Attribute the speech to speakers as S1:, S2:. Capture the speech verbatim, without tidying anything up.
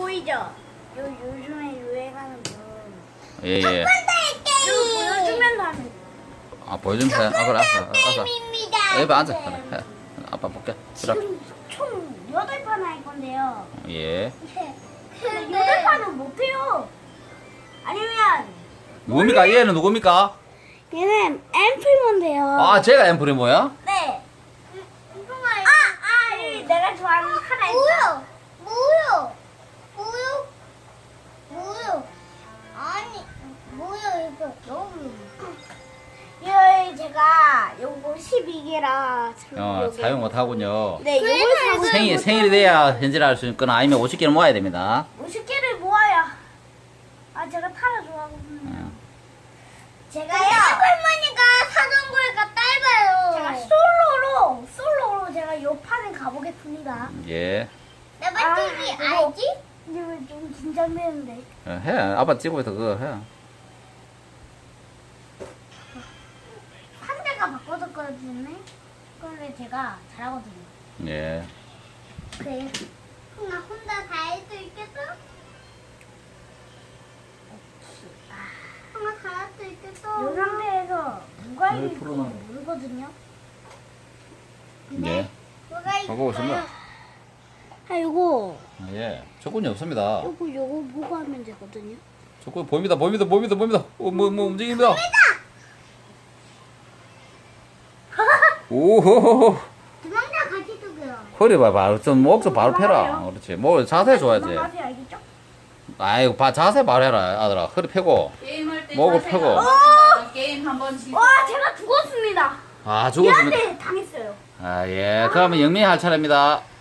S1: 보이죠? 요 요즘에 유행하는 분.
S2: 예, 예.
S1: 이거 보여주면 하는.
S2: 아, 보여주면 돼. 아, 그래, 알았어. 알았어.
S3: 입니다.
S2: 여기 앉아. 그래, 해. 아빠 볼게. 그래.
S1: 지금 총 여덟 판 할 건데요.
S2: 예.
S1: 근데 여덟 판은 못해요. 아니면
S2: 누굽니까? 얘는 누굽니까?
S1: 얘는 앰플몬데요.
S2: 아, 제가 엠프리모야?
S1: 네. 아, 아, 이 내가 좋아하는 하나 있다.
S3: 뭐요? 뭐요? 뭐요? 아니, 뭐요 이거? 너무.
S1: 이 제가 요거 십이 개라
S2: 어, 사용 못하군요.
S1: 네, 요걸 사고
S2: 생일, 생일이 돼야 현질을 할 수 있거나 아니면 오십 개를 모아야 됩니다.
S1: 오십 개를 모아야. 아, 제가 타라 좋아하거든요.
S2: 어.
S1: 제가요.
S3: 할머니가 사던 거니까 짧아요.
S1: 제가 솔로로 솔로로 제가 요 판에 가보겠습니다.
S2: 예.
S3: 나 맞추기
S1: 아, 그거-
S3: 알지?
S1: 근데 왜 좀 긴장되는데?
S2: 어, 해. 아빠 찍고부터 그거 해.
S1: 한 대가 바꿔줬거든요. 그런데 제가 잘하거든요.
S2: 예.
S1: 그래.
S3: 나 혼자 다 할 수 있겠어? 엄마 다 할 수 있겠어?
S1: 이 상태에서 누가
S2: 네,
S1: 이길지
S2: 풀어놔.
S1: 모르거든요.
S2: 예.
S3: 뭐가
S2: 하고 오십니다.
S1: 아, 요거
S2: 예. 조건이 없습니다.
S1: 요거 요거 보고 하면 되거든요.
S2: 조건 보입니다. 보입니다. 보입니다. 보입니다. 어, 뭐, 뭐 움직입니다. 오호호호.
S3: 두명다 같이 두고요.
S2: 허리 봐봐. 좀 목좀 바로 펴라.
S1: 도망가요.
S2: 그렇지. 목 자세 줘야지.
S1: 도망가세요, 알겠죠?
S2: 아이고, 봐 자세 말해라, 아들아. 허리 펴고.
S4: 게임할 때
S2: 먹어,
S4: 자세가
S2: 펴고.
S4: 안 맞으면 게임 한번 지고
S1: 와, 제가 죽었습니다.
S2: 아, 죽었습니다.
S1: 얘한테 당했어요.
S2: 아, 예. 그러면 영민이 할 차례입니다.